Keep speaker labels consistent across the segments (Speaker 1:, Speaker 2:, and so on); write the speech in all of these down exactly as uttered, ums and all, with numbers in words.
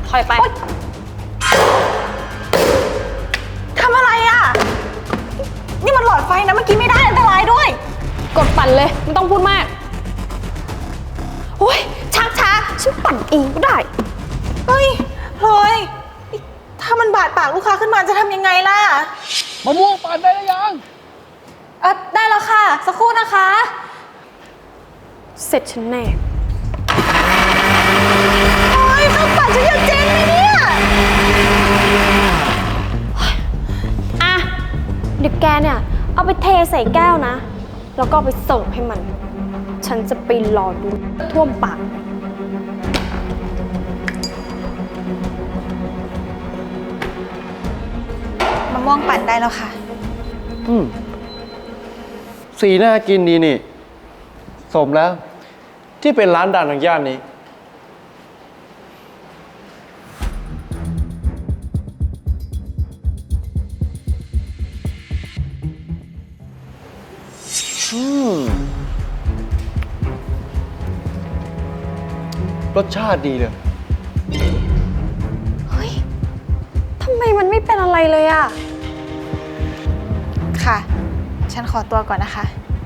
Speaker 1: ถอยไป
Speaker 2: ทำอะไรอ่ะนี่มันหลอดไฟนะเมื่อกี้ไม่ได้อันตรายด้วย
Speaker 1: กดปั่นเลยไม่ต้องพูดมากโอ้ยช้าช้าฉันปั่นเองก็ได้
Speaker 2: เฮ้ยพลอยถ้ามันบาดปากลูกค้าขึ้นมาจะทำยังไงล่ะ
Speaker 3: มะม่วงปั่นได้หรือยัง
Speaker 2: เออได้แล้วค่ะสักครู่นะคะ
Speaker 1: เสร็จฉันแน่
Speaker 2: โอ้ยข้าวปั่นฉันจะเจ๊งไหมเนี่ย
Speaker 1: อ่ะเดี๋ยวแกเนี่ยเอาไปเทใส่แก้วนะแล้วก็ไปส่งให้มันฉันจะไปรอดูท่วมปาก
Speaker 2: มะม่วงปั่นได้แล้วค่ะ
Speaker 3: อืมสีน่ากินดีนี่สมแล้วที่เป็นร้านดังทางย่านนี้อืมรสชาติดีเลย
Speaker 1: เฮ้ยทำไมมันไม่เป็นอะไรเลยอะ
Speaker 2: ค่ะฉันขอตัวก่อนนะคะ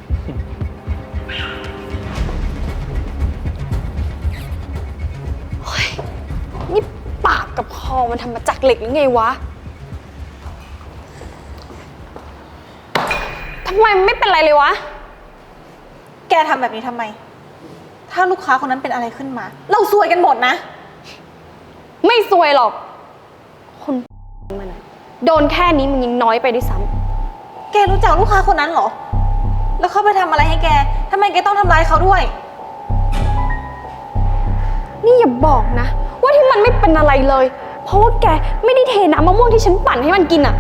Speaker 1: เฮ้ยนี่ปากกับคอมันทำมาจากเหล็กหรือไงวะทำไมมันไม่เป็นไรเลยวะ
Speaker 2: แกทำแบบนี้ทำไมถ้าลูกค้าคนนั้นเป็นอะไรขึ้นมาเราซวยกันหมดนะ
Speaker 1: ไม่ซวยหรอกคนมันโดนแค่นี้มันยังน้อยไปด้วยซ้
Speaker 2: ำแกรู้จักลูกค้าคนนั้นเหรอแล้วเขาไปทำอะไรให้แกทำไมแกต้องทำร้ายเขาด้วย
Speaker 1: นี่อย่าบอกนะว่าที่มันไม่เป็นอะไรเลยเพราะว่าแกไม่ได้เทน้ำมะม่วงที่ฉันปั่นให้มันกินอ่ะ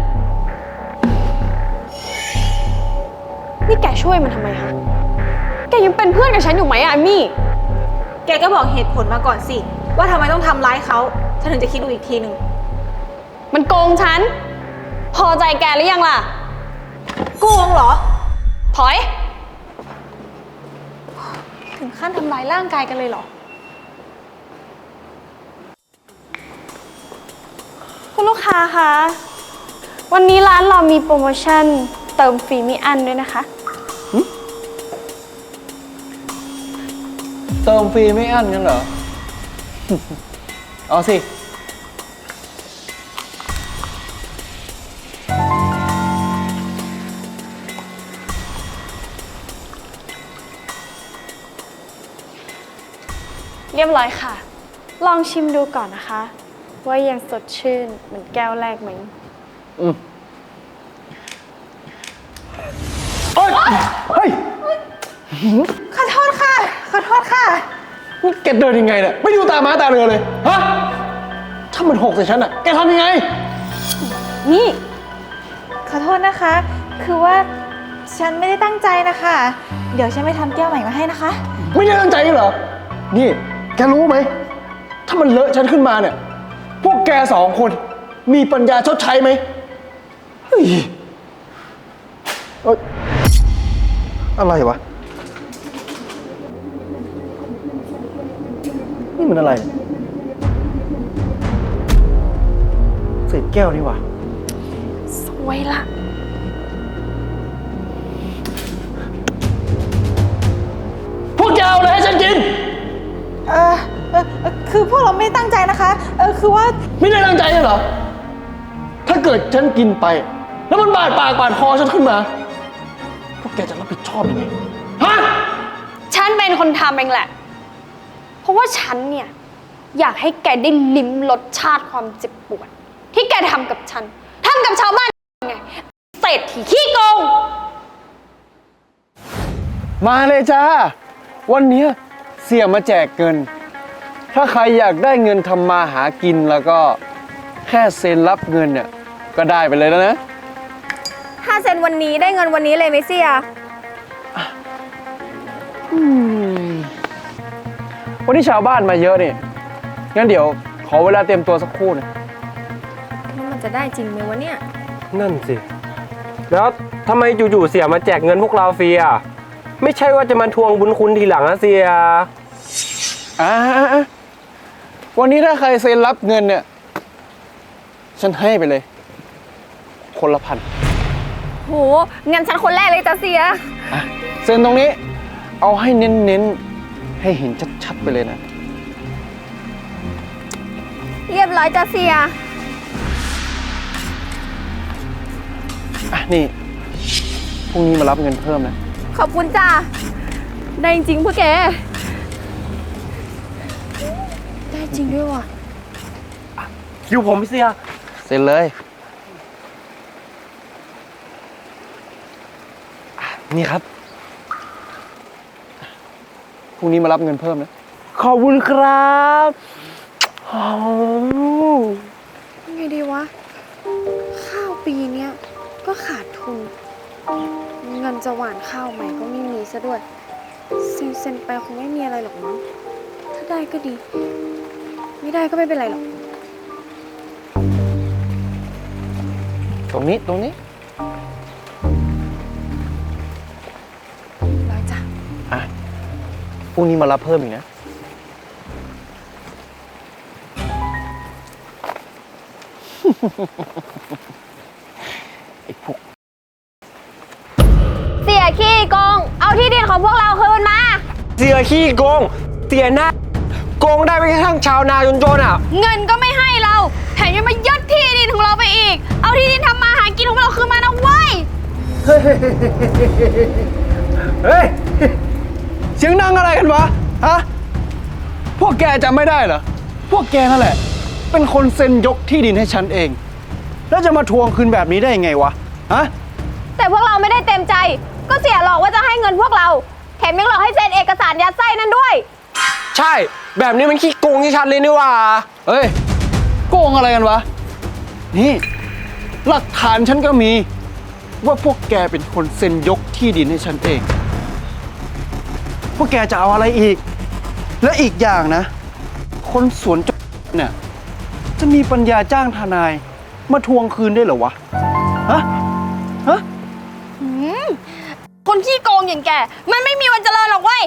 Speaker 1: นี่แกช่วยมันทำไมฮะแกยังเป็นเพื่อนกับฉันอยู่ไหมอะมี่
Speaker 2: แกก็บอกเหตุผลมาก่อนสิว่าทำไมต้องทำร้ายเขาฉันถึงจะคิดดูอีกทีหนึ่ง
Speaker 1: มันโกงฉันพอใจแกหรือยังล่ะ
Speaker 2: โกงเหรอ
Speaker 1: ถอย
Speaker 2: ถึงขั้นทำร้ายร่างกายกันเลยเหรอ
Speaker 1: คุณลูกค้าคะวันนี้ร้านเรามีโปรโมชั่นเติมฟรีไม่อั้นด้วยนะคะ
Speaker 3: เติมฟรีไม่อั้นกันเหรอ เอาสิ
Speaker 1: เรียบร้อยค่ะลองชิมดูก่อนนะคะว่ายังสดชื่นเหมือนแก้วแรกไหม
Speaker 3: อืมเฮ้ยเฮ้ย
Speaker 2: ขอโทษค่ะขอโทษค่ะ
Speaker 3: นี่แกเดินยังไงเนี่ยไม่ดูตาม้าตาเรือเลยฮะถ้ามันหกใส่ฉันอะแกทำยังไง
Speaker 1: นี่
Speaker 2: ขอโทษนะคะคือว่าฉันไม่ได้ตั้งใจนะคะเดี๋ยวฉันไปทำแก้วใหม่มาให้นะคะ
Speaker 3: ไม่ได้ตั้งใจเหรอนี่แกรู้ไหมถ้ามันเลอะฉันขึ้นมาเนี่ยพวกแกสองคนมีปัญญาชดใช้ไหมเฮ้ยเอ้ยอะไรวะนี่มันอะไรเศษแก้วนี่วะ
Speaker 1: สวยละ
Speaker 3: พวกแกเอาอะไรให้ฉันกิน
Speaker 2: เออเออคือพวกเราไม่ตั้งใจนะคะเออคือว่า
Speaker 3: ไม่ได้ตั้งใจเหรอถ้าเกิดฉันกินไปแล้วมันบาดปากบาดคอฉันขึ้นมาพวกแกจะรับผิดชอบยังไงฮะ
Speaker 1: ฉันเป็นคนทำเองแหละเพราะว่าฉันเนี่ยอยากให้แกได้ลิ้มรสชาติความเจ็บปวดที่แกทำกับฉันทำกับชาวบ้านไงเศรษฐีขี้โกง
Speaker 3: มาเลยจ้าวันนี้เสี่ยมาแจกเงินถ้าใครอยากได้เงินทำมาหากินแล้วก็แค่เซ็นรับเงินเนี่ยก็ได้ไปเลยแล้วนะ
Speaker 1: ถ้าเซ็นวันนี้ได้เงินวันนี้เลยไหมเสี่ย
Speaker 3: วันนี้ชาวบ้านมาเยอะนี่งั้นเดี๋ยวขอเวลาเตรียมตัวสักครู่นะ
Speaker 1: มันจะได้จริงไหมวะเนี่ย
Speaker 4: นั่นสิแล้วทำไมอยู่ๆเสี่ยมาแจกเงินพวกเราฟรีอ่ะไม่ใช่ว่าจะมาทวงบุญคุณทีหลังนะเสี่ย
Speaker 3: อ่าวันนี้ถ้าใครเซ็นรับเงินเนี่ย ฉันให้ไปเลย คนละพัน
Speaker 1: โหงั้นฉันคนแรกเลยจ้ะเสีย
Speaker 3: อ่ะเซ็นตรงนี้ เอาให้เน้นๆ ให้เห็นชัดๆไปเลยนะ
Speaker 1: เรียบร้อยจ้ะเสีย
Speaker 3: อ่ะ นี่ พรุ่งนี้มารับเงินเพิ่มนะ
Speaker 1: ขอบคุณจ้าได้จริงพวกแก ได้จริงด้วยว่ะ
Speaker 4: คิวผมเสีย
Speaker 3: เซ็นเลย
Speaker 4: นี่ครับ
Speaker 3: พรุ่งนี้มารับเงินเพิ่มนะ
Speaker 4: ขอบคุณครับโอ้
Speaker 1: ไงดีวะ ข้าวปีเนี้ยก็ขาดทุน เงินจะหว่านข้าวใหม่ก็ไม่มีซะด้วย เซ็นเซ็นไปคงไม่มีอะไรหรอกมั้ง ถ้าได้ก็ดี ไม่ได้ก็ไม่เป็นไรหรอก
Speaker 3: ตรงนี้ ตรงนี้
Speaker 1: ร้อยจ้ะ
Speaker 3: อ่ะ พรุ่งนี้มารับเพิ่มอีกนะ ไอ้พวก
Speaker 1: เสียขี้โกง เอาที่ดินของพวกเราคืนมา
Speaker 4: เสียขี้โกงเสียหน้าโกงได้ไม่กระทั่งชาวนาจนๆอ่ะ
Speaker 1: เงินก็ไม่ให้เรา แถมยังมายึดที่ดินของเราไปอีก เอาที่ดินทำมาหากินของเราคืนมานะเว้ย
Speaker 3: เฮ้ย เสียงดังอะไรกันวะ ฮะ พวกแกจำไม่ได้เหรอ พวกแกนั่นแหละ เป็นคนเซ็นยกที่ดินให้ฉันเอง แล้วจะมาทวงคืนแบบนี้ได้ยังไงวะ ฮะ
Speaker 1: แต่พวกเราไม่ได้เต็มใจ ก็เสียหลอกว่าจะให้เงินพวกเรา แถมยังหลอกให้เซ็นเอกสารยัดไส้นั่นด้วย
Speaker 4: ใช่ แบบนี้มันขี้โกงที่ชัดเลยนี่หว่า
Speaker 3: เฮ้ย โกงอะไรกันวะ นี่ หลักฐานฉันก็มี ว่าพวกแกเป็นคนเซ็นยกที่ดินให้ฉันเอง พวกแกจะเอาอะไรอีก และอีกอย่างนะ คนสวนจเนี่ย จะมีปัญญาจ้างทนาย มาทวงคืนได้เหรอวะ ฮะ ฮะ
Speaker 1: คนขี้โกงอย่างแก มันไม่มีวันเจริญหรอกเว้ย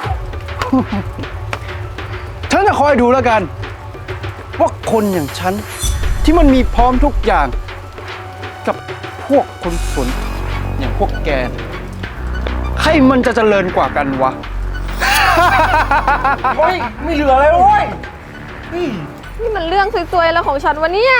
Speaker 3: ฉันจะคอยดูแล้วกัน ว่าคนอย่างฉัน ที่มันมีพร้อมทุกอย่าง กับพวกคนสนอย่างพวกแก ใครมันจะเจริญกว่ากันวะ
Speaker 4: เฮ้ย ไม่เหลือเลยเว้ย
Speaker 1: นี่มันเรื่องซวยๆแล้วของฉันวะเนี่ย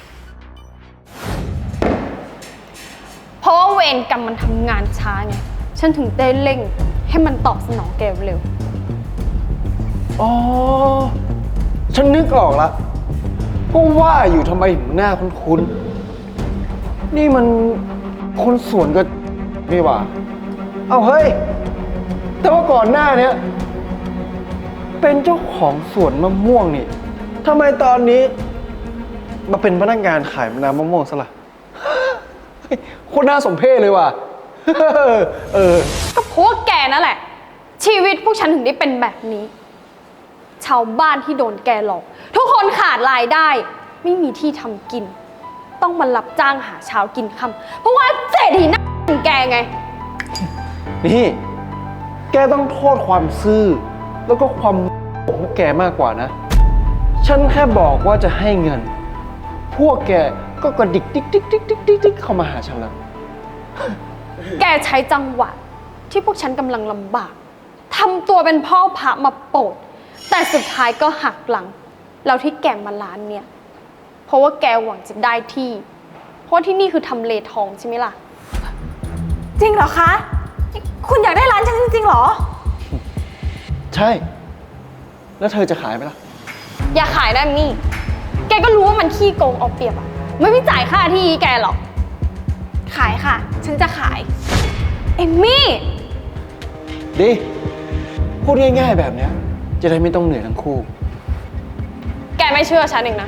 Speaker 1: เพราะว่าเวรกรรมมันทำงานช้าไง ฉันถึงได้เร่งให้มันตอบสนองแกเร็ว
Speaker 3: อ๋อ ฉันนึกออกละก็ว่าอยู่ทำไมถึงหน้าคุ้นๆ นี่มันคนสวนก็นี่หว่า เอาเฮ้ย แต่ว่าก่อนหน้าเนี้ยเป็นเจ้าของสวนมะม่วงนี่ทำไมตอนนี้ มาเป็นพนักงานขายน้ำมะม่วงซะล่ะ เฮ้ยโคตรน่าสมเพชเลยว่ะ เออ
Speaker 1: ก็เพราะว่าแกนั่นแหละ ชีวิตพวกฉันถึงได้เป็นแบบนี้ ชาวบ้านที่โดนแกหลอก ทุกคนขาดรายได้ ไม่มีที่ทำกิน ต้องมารับจ้างหาเช้ากินค่ำเพราะว่าเศรษฐีหน้าอย่างแกไง
Speaker 3: นี่ แกต้องโทษความซื่อ แล้วก็ความของพวกแกมากกว่านะ ฉันแค่บอกว่าจะให้เงิน พวกแกก็กระดิกดิกดิกดิกดิกดิกดิกเข้ามาหาฉันแล้ว
Speaker 1: แกใช้จังหวะที่พวกฉันกำลังลำบากทำตัวเป็นพ่อพระมาโปรด แต่สุดท้ายก็หักหลัง แล้วที่แกมาร้านเนี่ย เพราะว่าแกหวังจะได้ที่ เพราะที่นี่คือทำเลทองใช่ไหมล่ะ
Speaker 2: จริงเหรอคะ คุณอยากได้ร้านฉันจริงๆเหรอ
Speaker 3: ใช่ แล้วเธอจะขายไหมล่ะ
Speaker 1: อย่าขายได้มี่ แกก็รู้ว่ามันขี้โกงเอาเปรียบอะไม่มีจ่ายค่าที่แกหรอก
Speaker 2: ขายค่ะ ฉันจะขาย
Speaker 1: เอมมี่
Speaker 3: ดี พูดง่ายๆแบบเนี้ย จะได้ไม่ต้องเหนื่อยทั้งคู่
Speaker 1: แกไม่เชื่อฉันเองนะ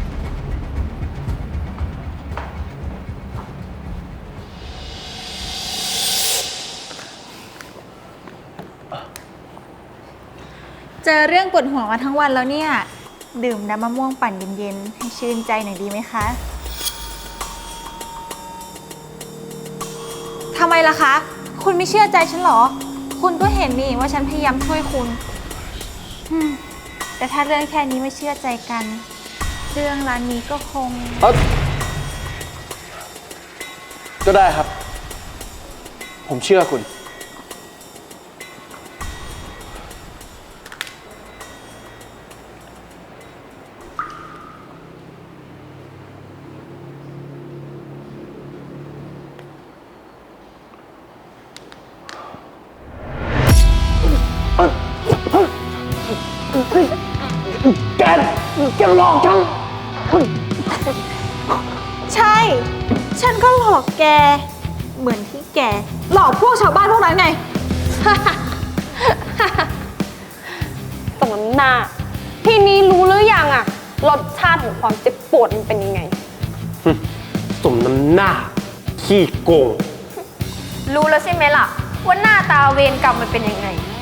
Speaker 2: เจอเรื่องปวดหัวมาทั้งวันแล้วเนี่ย ดื่มน้ำมะม่วงปั่นเย็นๆ ให้ชื่นใจหน่อยดีไหมคะ ทำไมล่ะคะ คุณไม่เชื่อใจฉันเหรอ คุณก็เห็นนี่ว่าฉันพยายามช่วยคุณอืมแต่ถ้าเรื่องแค่นี้ไม่เชื่อใจกัน เรื่องร้านนี้ก็คง
Speaker 3: เอ้าก็ได้ครับ ผมเชื่อคุณ แกแกหลอกฉัน
Speaker 2: ใช่ ฉันก็หลอกแก เหมือนที่แก หลอกพวกชาวบ้านพวกนั้นไง
Speaker 1: สมน้ำหน้า ทีนี้รู้หรือยังอะรสชาติของความเจ็บปวดมันเป็นยังไง
Speaker 4: สมน้ำหน้า ขี้โกง
Speaker 5: รู้แล้วใช่ไหมล่ะ ว่าหน้าตาเวรกรรมมันเป็นยังไง